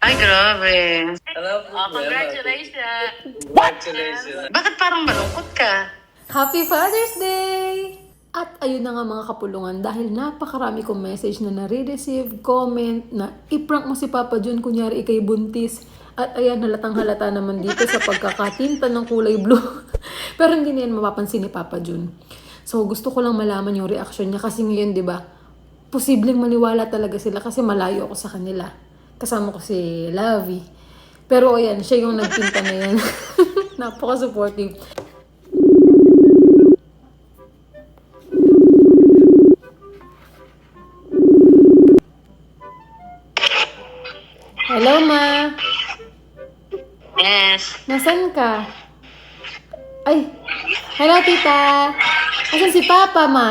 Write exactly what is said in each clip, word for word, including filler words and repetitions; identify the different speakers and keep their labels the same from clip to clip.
Speaker 1: Ay, grabe.
Speaker 2: Alam mo,
Speaker 1: Oh, congratulations.
Speaker 2: Congratulations.
Speaker 1: Bakit parang malungkot ka?
Speaker 3: Happy Father's Day! At ayun na nga mga kapulungan, dahil napakarami kong message na nare-receive, comment, na iprank mo si Papa Jun, kunyari ikay buntis. At ayan, halatang halata naman dito sa pagkakatinta ng kulay blue. Pero hindi na yan mapapansin ni Papa Jun. So gusto ko lang malaman yung reaction niya kasi ngayon, di ba, posibleng maniwala talaga sila kasi malayo ako sa kanila. Kasama ko si Lavi. Pero ayan, siya yung nagtinta na yan. Napaka-supportive. Hello, Ma.
Speaker 1: Yes.
Speaker 3: Nasaan ka? Ay, hello, Tita. Nasaan si Papa, Ma?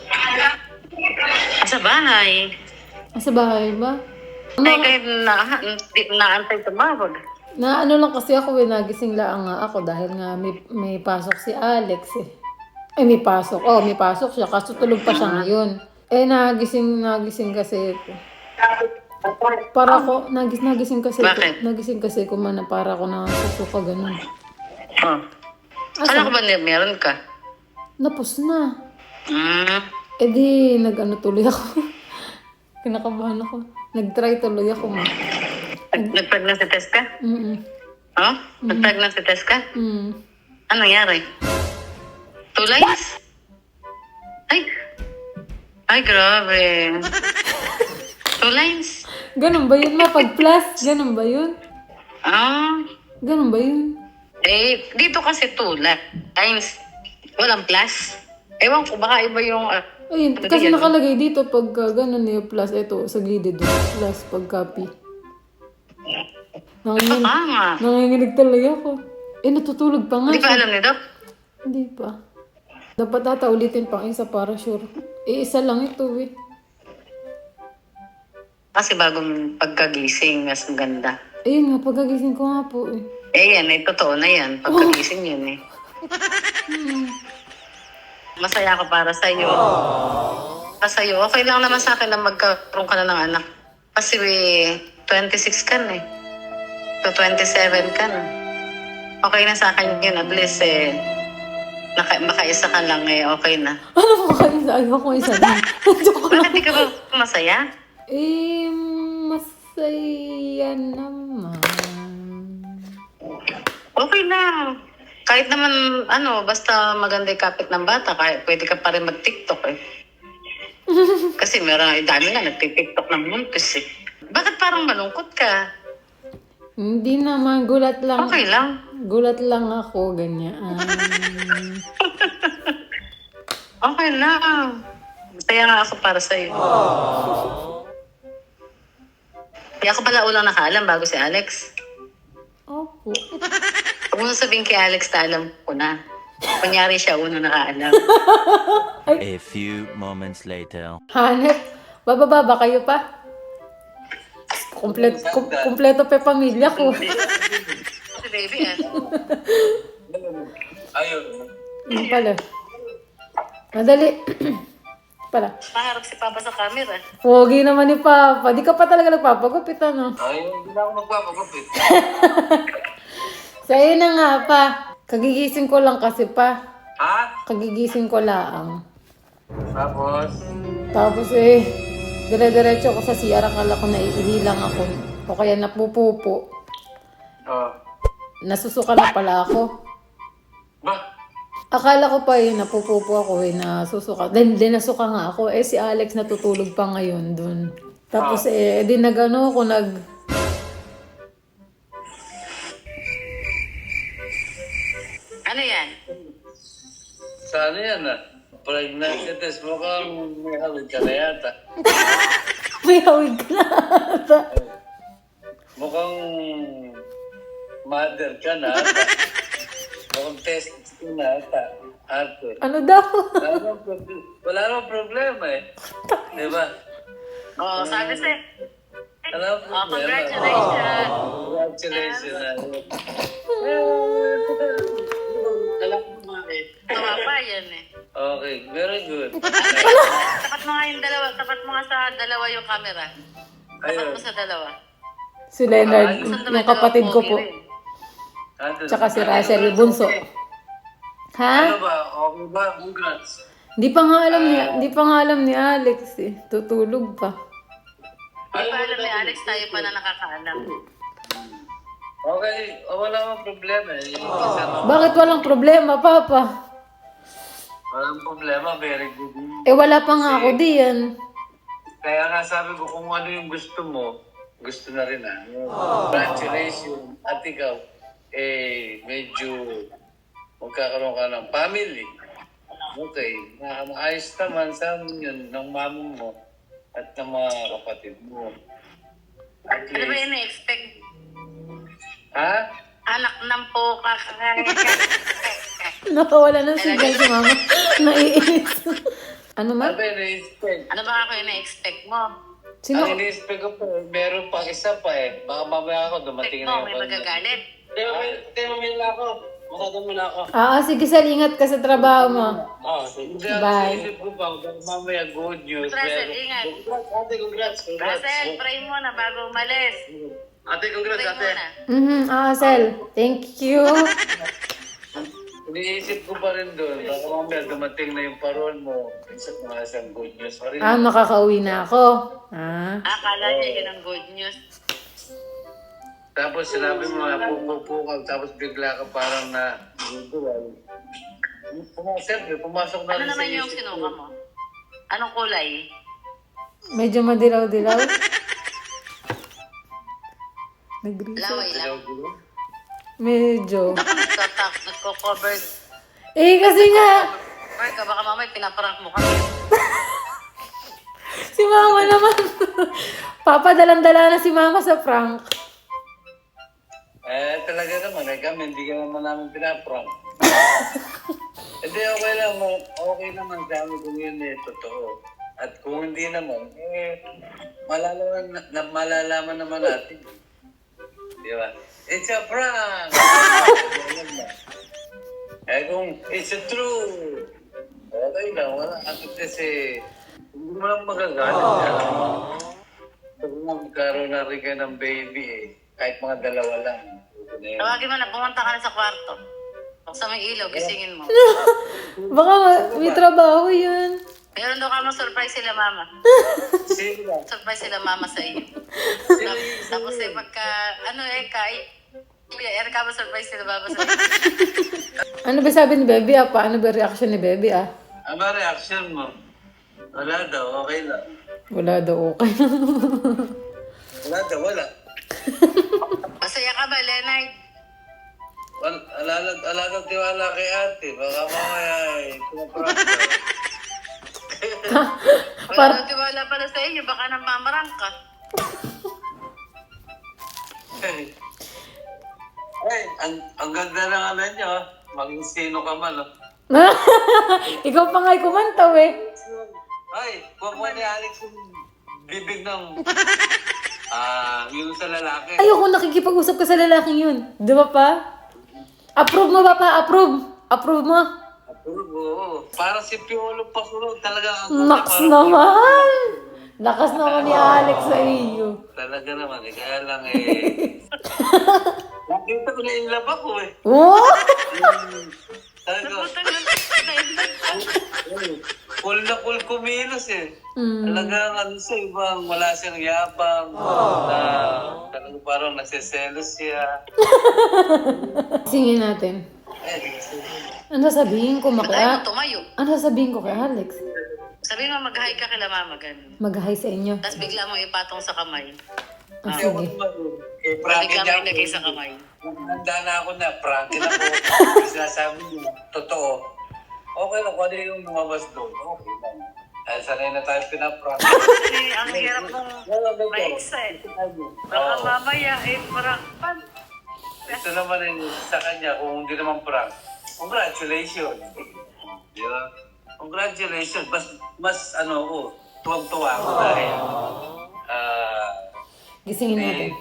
Speaker 1: Sa bahay.
Speaker 3: Nasa bahay ba?
Speaker 1: Ay,
Speaker 3: Ma,
Speaker 1: kahit na, hindi ko naantay tumawag.
Speaker 3: na ano lang kasi ako, eh, nagising lang nga ako dahil nga may, may pasok si Alex eh. Ay, may pasok. Oh, may pasok siya. Kaso tulog pa siya ngayon. Eh, nagising, nagising kasi ako. Para ko, nagis, nagising kasi
Speaker 1: Bakit?
Speaker 3: ko, nagising kasi ko man na para ko nasusuka ganun.
Speaker 1: Oh.
Speaker 3: Asa?
Speaker 1: Alam ko ba na meron ka?
Speaker 3: Napos na.
Speaker 1: Hmm.
Speaker 3: Eh di, nag-ano tuloy ako. Kinakabahan ako. Nag-try tuloy ako, Ma.
Speaker 1: Nag- Nag-pregnancy test ka?
Speaker 3: Mm-mm.
Speaker 1: Oh? Nag-pregnancy test ka?
Speaker 3: Mm.
Speaker 1: Anong nangyari? Two lines? Ay. Ay, grabe. Two lines?
Speaker 3: Ganun ba yun, Ma? Pag plus, ganun ba yun?
Speaker 1: Ah.
Speaker 3: Ganun ba yun?
Speaker 1: Eh, dito kasi two lines. Walang plus. Ewan ko, baka iba yung... Uh,
Speaker 3: Ayun,
Speaker 1: ano
Speaker 3: kasi
Speaker 1: yan?
Speaker 3: nakalagay dito pag uh, ganun yung plus, ito, sa gilid doon. Plus, pag copy. Nanginginig,
Speaker 1: Tama.
Speaker 3: nanginginig talaga ako. Eh, natutulog pa nga
Speaker 1: Hindi pa
Speaker 3: siya.
Speaker 1: alam ni Doc?
Speaker 3: Hindi pa. Dapat ata ulitin pang isa para sure. Eh, isa lang ito eh.
Speaker 1: Kasi bagong pagkagising, mas maganda.
Speaker 3: Ayun nga, pagkagising ko nga po eh.
Speaker 1: Eh yan, eh, totoo na yan. Pagkagising yun eh. Masaya ako para sa'yo. Para sa'yo, okay lang naman sa akin na magkaroon ka na ng anak. Kasi eh, twenty-six ka na eh. To twenty-seven ka na. Okay na sa akin yun. At least eh, naka, makaisa ka lang eh, okay na.
Speaker 3: Ano po kayo sa ayaw ko isa lang? Joke lang.
Speaker 1: Bakit di ka ba masaya?
Speaker 3: Eh, masaya naman.
Speaker 1: Okay lang. Kahit naman, ano, basta maganda yung kapit ng bata, kahit pwede ka pa rin mag-TikTok eh. Kasi meron, eh, dami nga nag-TikTok ng muntis eh. Bakit parang malungkot ka?
Speaker 3: Hindi naman, gulat lang.
Speaker 1: Okay lang.
Speaker 3: Gulat lang ako, ganyan.
Speaker 1: Okay lang. Masaya nga ako para sa'yo. Di ako pala ulang nakaalam bago si Alex.
Speaker 3: Opo.
Speaker 1: Huwag mo sabihin kay Alex na alam ko na. Kunyari siya unang nakaalam.
Speaker 4: A few moments later.
Speaker 3: Hanep, bababa ba kayo pa? Kompleto, kom, kompleto pa yung pamilya ko.
Speaker 1: Si baby ah.
Speaker 2: Ayun.
Speaker 3: Ano pala? Madali. pala.
Speaker 1: Maharap si Papa sa camera.
Speaker 3: Pogi naman ni Papa. Di ka pa talaga nagpapagupit, ano?
Speaker 2: Ayun, hindi na ako magpapagupit.
Speaker 3: So, ayun na nga pa. Kagigising ko lang kasi pa.
Speaker 2: Ha?
Speaker 3: Kagigising ko lang.
Speaker 2: Tapos?
Speaker 3: Tapos eh, dire-diretso ko sa C R. Akala ko naiihilang ako. O kaya napupupo.
Speaker 2: Oh.
Speaker 3: Nasusuka na pala ako.
Speaker 2: Ba?
Speaker 3: Akala ko pa eh, napupupo ako eh, nasusuka. Then, then nasuka nga ako. Eh, si Alex natutulog pa ngayon dun. Tapos eh, di nagano ako, nag...
Speaker 1: Ano yan?
Speaker 2: Sana yan ah. Pregnancy test mo kang may hawid ka na yata.
Speaker 3: May hawig ka na ata.
Speaker 2: Mukhang mother ka na ata. Mukhang test ka na ata. Ate.
Speaker 3: Ano daw?
Speaker 2: Wala namang prob- wala namang problema eh. Di ba?
Speaker 1: Oo, oh, sabi sa'yo.
Speaker 2: Wala namang
Speaker 1: Oh,
Speaker 2: problema.
Speaker 1: congratulations.
Speaker 2: Congratulations. ah.
Speaker 1: Alam ko nga eh. Tawa pa yan eh.
Speaker 2: Okay, very good.
Speaker 1: Tapat mo nga yung dalawa. Tapat mo nga sa dalawa yung camera. Tapat
Speaker 2: Ayun.
Speaker 1: mo sa dalawa.
Speaker 3: Si Leonard,
Speaker 2: Ah,
Speaker 1: Saan naman
Speaker 3: yung kapatid ko po.
Speaker 1: pogi rin?
Speaker 2: Andun.
Speaker 3: Tsaka si Rachel, yung bunso. Ha?
Speaker 2: Ano ba? Okay ba? Congrats.
Speaker 3: Hindi pa nga alam ni, hindi pa nga alam ni Alex eh. Tutulog pa.
Speaker 1: Di pa alam ni Alex, tayo pa na nakakaalam.
Speaker 2: Okay, oh, wala mang problema eh. Kasi ano,
Speaker 3: Bakit walang problema, Papa?
Speaker 2: walang problema, very good.
Speaker 3: Eh wala pa nga ako diyan.
Speaker 2: Kaya nga sabi ko kung ano yung gusto mo, gusto na rin ah. Congratulations. At ikaw, eh, medyo magkakaroon ka ng family. Okay, ma maayos naman sa amin yun ng mamo mo at ng mga kapatid mo. At
Speaker 1: Ano ba
Speaker 2: least,
Speaker 1: yung na-expect?
Speaker 2: ha?
Speaker 1: Anak ng po kakain.
Speaker 3: Nakawala ng signal si Mama. Naiinis. Ano
Speaker 2: Ano
Speaker 3: man?
Speaker 2: ba yung na-expect?
Speaker 1: Ano ba ako yung na-expect mo?
Speaker 3: Sino?
Speaker 2: Ang ini-expect ko po, meron pang isa pa eh. Baka mamaya ako dumating
Speaker 1: Expect
Speaker 2: na
Speaker 1: mo, may magagalit.
Speaker 2: Tayo mamaya ako. Masado mo na ako.
Speaker 3: Ah, sige, Sal, ingat ka sa trabaho mo.
Speaker 2: Oh, sige.
Speaker 3: Bye.
Speaker 2: Isip ko pa, mamaya good news.
Speaker 1: Russell,
Speaker 2: meron-
Speaker 1: ingat.
Speaker 2: Congrats, ate, congrats. Congrats.
Speaker 1: Russell, pray mo na bago umalis.
Speaker 2: Ate, congrats,
Speaker 1: Pray
Speaker 2: ate.
Speaker 1: mo na.
Speaker 3: Mhm, ah, Sal. Thank you.
Speaker 2: Iniisip ko pa rin doon. Baka mamaya dumating na yung parol mo. Isa mga isang good news. Sorry.
Speaker 3: Ah, makakauwi na ako. Ah.
Speaker 1: Akala niya yun ang good news.
Speaker 2: Tapos sinabi mo na pupupukal, tapos bigla ka parang na guguwal. Siyempre, pumasok na
Speaker 1: Ano
Speaker 2: rin
Speaker 1: naman
Speaker 2: sa
Speaker 1: yung
Speaker 2: isip
Speaker 1: sinuka
Speaker 2: ko.
Speaker 1: mo? Anong kulay?
Speaker 3: Medyo madilaw-dilaw. Nag-reset.
Speaker 1: Laway lang.
Speaker 3: Medyo.
Speaker 1: Ako nagtatak, nagko-cover.
Speaker 3: Eh, kasi nga,
Speaker 1: Or ka, baka mamay pinaprank mo kami.
Speaker 3: si Mama naman. Papa, dalang-dala na si Mama sa prank.
Speaker 2: Eh, talaga naman, eh kami, hindi ka naman namin pinaprank. Hindi, okay lang, mo- okay naman sa amin kung yun eh, totoo. At kung hindi naman, eh, malalaman, na, na- malalaman naman natin. Di ba? It's a prank! Eh kung it's a true, okay lang, wala. At kasi, hindi mo lang magagalit. Kung magkaroon na rin kayo ng baby eh, kahit mga dalawa lang. Yun na yun.
Speaker 1: Tawagin mo na, pumunta ka na sa kwarto. Buksan mo yung ilaw, gisingin mo.
Speaker 3: Baka ma- may trabaho yun.
Speaker 1: Meron daw ka mo surprise sila mama.
Speaker 2: Sino ba?
Speaker 1: Surprise sila mama sa iyo. Tapos, tapos eh, pagka, ano eh, kay, eh, ka mo surprise sila mama sa iyo.
Speaker 3: Ano ba sabi ni Baby ah? Paano ba reaction ni Baby ah?
Speaker 2: Ano ba reaction mo? Wala daw, okay lang.
Speaker 3: Wala daw okay.
Speaker 2: Wala daw, wala.
Speaker 1: Masaya ka ba, Leonard?
Speaker 2: Wala, wala, wala daw tiwala kay ate. Baka mamaya eh, pumaprank ka.
Speaker 1: Wala
Speaker 3: Par-
Speaker 1: nang tiwala pala sa inyo, baka nang mamarang ka.
Speaker 2: Ay, ang, ang ganda ng ano nyo, ah. Maging sino ka man. Oh.
Speaker 3: Ikaw pa nga'y kumantaw eh.
Speaker 2: Ay, kuha ni Alex yung bibig ng... Ah, yung sa lalaki.
Speaker 3: Ayoko nakikipag-usap ka sa lalaking yun. Di ba pa? Approve mo ba pa? Approve. Approve mo.
Speaker 2: Approve, oo. Parang si Piolo Pasulog talaga. ang-
Speaker 3: Naks
Speaker 2: parang-
Speaker 3: naman. Lakas naman ni Alex sa iyo.
Speaker 2: Talaga naman eh. Kaya lang eh. Nakita ko na yung love ako eh.
Speaker 3: Oh!
Speaker 2: Talaga.
Speaker 1: Putang lang
Speaker 2: eh, Full na full kumilos eh.
Speaker 3: Mm.
Speaker 2: Talagang ano siya, ibang wala siyang yabang. Na talagang parang nagsiselos siya.
Speaker 3: Singin natin.
Speaker 2: Eh,
Speaker 3: Ano sasabihin ko
Speaker 1: Ay,
Speaker 3: maka...
Speaker 1: tumayo.
Speaker 3: Ano sasabihin ko kay Alex?
Speaker 1: Sabi mo, mag-hi ka kila mama, ganun.
Speaker 3: Mag-hi sa inyo.
Speaker 1: Tapos bigla mo ipatong sa kamay.
Speaker 3: Ah,
Speaker 2: Ayaw ko
Speaker 3: sige.
Speaker 2: naman eh. Eh, prankin
Speaker 1: Bigla
Speaker 2: niya
Speaker 1: mo ilagay sa
Speaker 2: ako.
Speaker 1: kamay.
Speaker 2: Handa na ako na, prankin ako. Sinasabi niya, totoo. Okay lang, kung ano yung lumabas doon. Okay lang. Dahil sanay na tayo pinaprank.
Speaker 1: Kasi ang hirap mong
Speaker 2: Wala ba ito?
Speaker 1: ma-excite. Baka
Speaker 2: Oo.
Speaker 1: mamaya, eh, parang, pan.
Speaker 2: Ito naman eh, sa kanya, kung hindi naman prank. Congratulations. Di ba? Congratulations. Mas, mas ano ko, tuwang-tuwa ako dahil, ah,
Speaker 3: Gisingin
Speaker 2: eh,
Speaker 3: natin.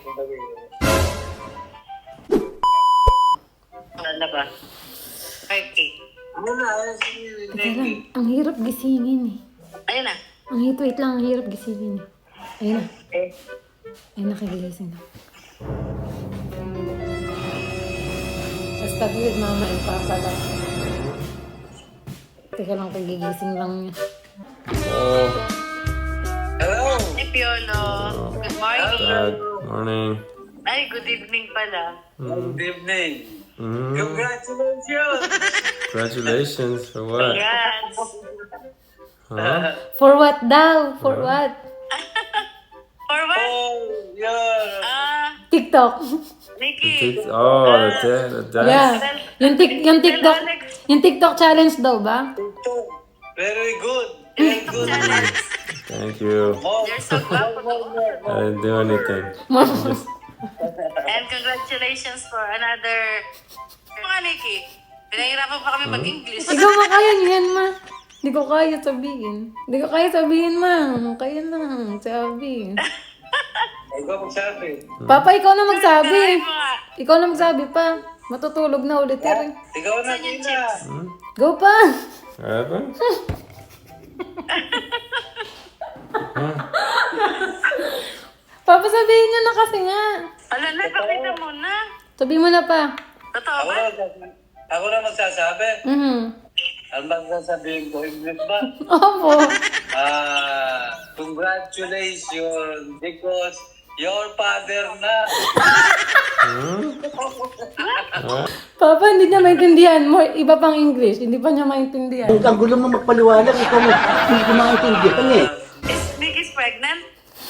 Speaker 1: Ano ba? five K.
Speaker 2: ano na, ayun,
Speaker 3: Teka lang, ang hirap gisingin eh.
Speaker 1: Ayun na.
Speaker 3: Ang hit, wait lang, ang hirap gisingin eh. Ayun na.
Speaker 1: Eh.
Speaker 3: Ayun na, kagigising na. Basta with mama and papa lang. Teka lang, kagigising lang niya.
Speaker 5: Oh,
Speaker 2: Hello!
Speaker 1: Hey, Piolo. Good morning.
Speaker 5: Dad. Morning.
Speaker 1: Ay, good evening pala.
Speaker 2: Good evening.
Speaker 5: Mm,
Speaker 2: Congratulations!
Speaker 5: congratulations for what?
Speaker 1: Yes.
Speaker 5: Huh?
Speaker 3: For what daw? For what?
Speaker 1: For what?
Speaker 2: Oh, yeah.
Speaker 1: Ah,
Speaker 3: TikTok.
Speaker 1: Nikki.
Speaker 5: It's- oh, the dad. The dad.
Speaker 3: Yeah. Yung, tik yung TikTok. Yung TikTok challenge daw ba?
Speaker 2: Very good. Very good.
Speaker 5: Thank you.
Speaker 2: More,
Speaker 1: You're so
Speaker 2: more,
Speaker 1: guapo.
Speaker 2: more, more,
Speaker 5: I
Speaker 2: more.
Speaker 5: didn't do anything. Just,
Speaker 1: And congratulations for another... Mga Nikki, pinahirapan pa kami mag-English.
Speaker 3: Ikaw ba kaya niyan, ma? Hindi ko kaya sabihin. Hindi ko kaya sabihin, ma. Kaya lang, sabi.
Speaker 2: Ikaw magsabi.
Speaker 3: Papa, ikaw na magsabi.
Speaker 1: Ay, mga...
Speaker 3: Ikaw na magsabi pa. Matutulog na ulit ka rin.
Speaker 2: Ikaw na, Tina.
Speaker 3: Go pa!
Speaker 5: what happened?
Speaker 3: Papa, sabihin niya na kasi nga.
Speaker 1: Ala na, pakita mo na.
Speaker 3: Sabihin mo na pa.
Speaker 1: Totoo
Speaker 2: Ako
Speaker 1: ba?
Speaker 2: na, magsasabi. ako na magsasabi.
Speaker 3: Mhm.
Speaker 2: Ano ba sasabihin ko? English ba?
Speaker 3: Opo.
Speaker 2: Ah, congratulations because your father na.
Speaker 3: Papa, hindi niya maintindihan. More, iba pang English. Hindi pa niya maintindihan.
Speaker 6: Ang gulo mo magpaliwanag, ikaw mo, hindi ko maintindihan eh.
Speaker 1: Is Nikki's pregnant?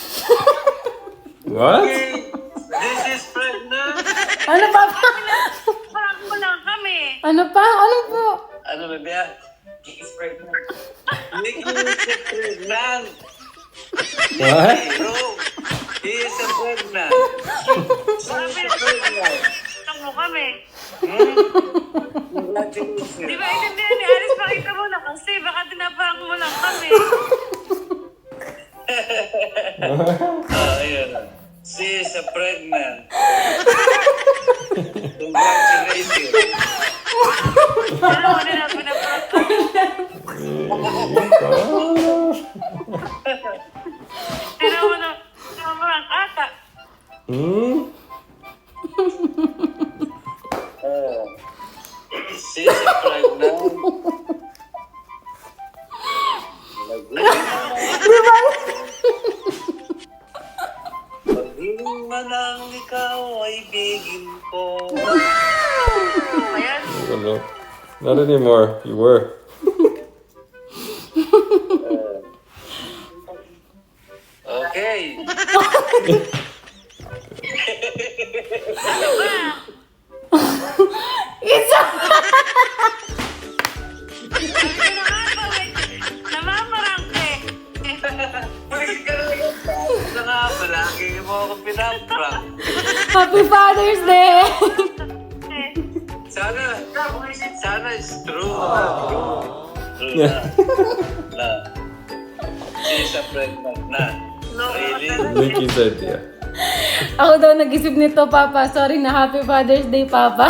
Speaker 5: What?
Speaker 2: This is pregnant.
Speaker 3: Ano, Papa?
Speaker 1: Parang ko lang kami.
Speaker 3: Ano pa? Ano po?
Speaker 2: Ano ba ba? He is pregnant. Nikki is pregnant.
Speaker 5: What?
Speaker 2: Bro, he is a pregnant.
Speaker 1: Sabi,
Speaker 2: Pregnant.
Speaker 1: lang mo kami.
Speaker 2: Congratulations.
Speaker 1: Di ba intindihan ni Alice? Pakita mo na kasi. Baka tinaparang mo lang kami.
Speaker 2: Ah, ayun. She is a pregnant. Congratulations.
Speaker 1: Alam mo nila, pinaparang kami. Tinaw mo na, tinaparang ata.
Speaker 5: Hmm?
Speaker 2: Oh. She is a pregnant. Pagdiling man ang ikaw ay bigin ko.
Speaker 1: Ayan.
Speaker 5: I don't know. Not anymore. You were.
Speaker 2: Okay.
Speaker 1: Sabi ko na nga ba, wait. Namamarang ka eh.
Speaker 2: Pwede ka na lang. Ito nga ba, lagi mo ako pinaprank.
Speaker 3: Happy Father's Day!
Speaker 1: Eh,
Speaker 2: Sana, sana is true. True na. Na. She is a pregnant na. Really?
Speaker 5: Nikki's idea.
Speaker 3: Ako daw nag-isip nito, Papa. Sorry na, Happy Father's Day, Papa.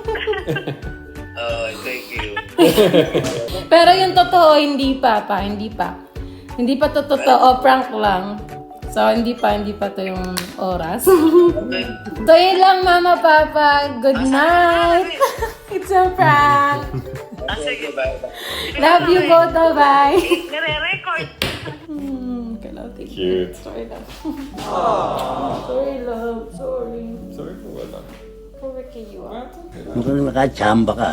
Speaker 2: Oh, thank you.
Speaker 3: Pero yung totoo, hindi pa, pa. Hindi pa. Hindi pa to totoo. Prank lang. So, hindi pa, hindi pa to yung oras.
Speaker 2: Okay.
Speaker 3: So, yun lang, Mama, Papa. Good night. It's a prank.
Speaker 1: ah, sige.
Speaker 2: Bye.
Speaker 3: Love you both. Bye.
Speaker 1: Nire-record.
Speaker 3: Hmm, okay, love. Thank
Speaker 5: Cute.
Speaker 3: you. Sorry, love. Sorry, love. Sorry.
Speaker 5: Sorry for what? Lang?
Speaker 3: Sorry kay you, ah.
Speaker 6: Mukhang nakachamba ka.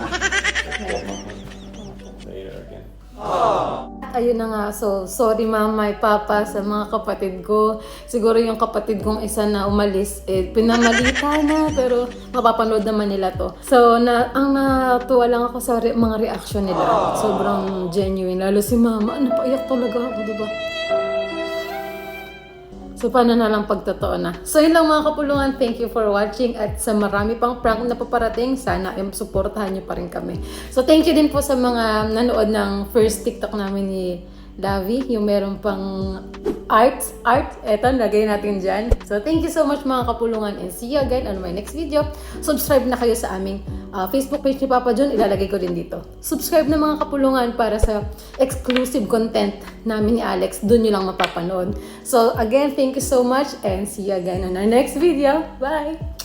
Speaker 5: Later again.
Speaker 3: Ayun na nga, so sorry mama at papa sa mga kapatid ko. Siguro yung kapatid kong isa na umalis, eh, pinamalita na, pero mapapanood naman nila to. So, na, ang natuwa lang ako sa re- mga reaction nila. Sobrang genuine. Lalo si mama, napaiyak talaga ako, diba? So, paano na lang pagtotoo na. So, yun lang mga kapulungan. Thank you for watching. At sa marami pang prank na paparating, sana um, supportahan nyo pa rin kami. So, thank you din po sa mga nanood ng first TikTok namin ni Lavi, yung meron pang art, art, eto, lagay natin dyan. So, thank you so much mga kapulungan and see you again on my next video. Subscribe na kayo sa aming uh, Facebook page ni Papa John, ilalagay ko rin dito. Subscribe na mga kapulungan para sa exclusive content namin ni Alex, dun nyo lang mapapanood. So, again, thank you so much and see you again on our next video. Bye!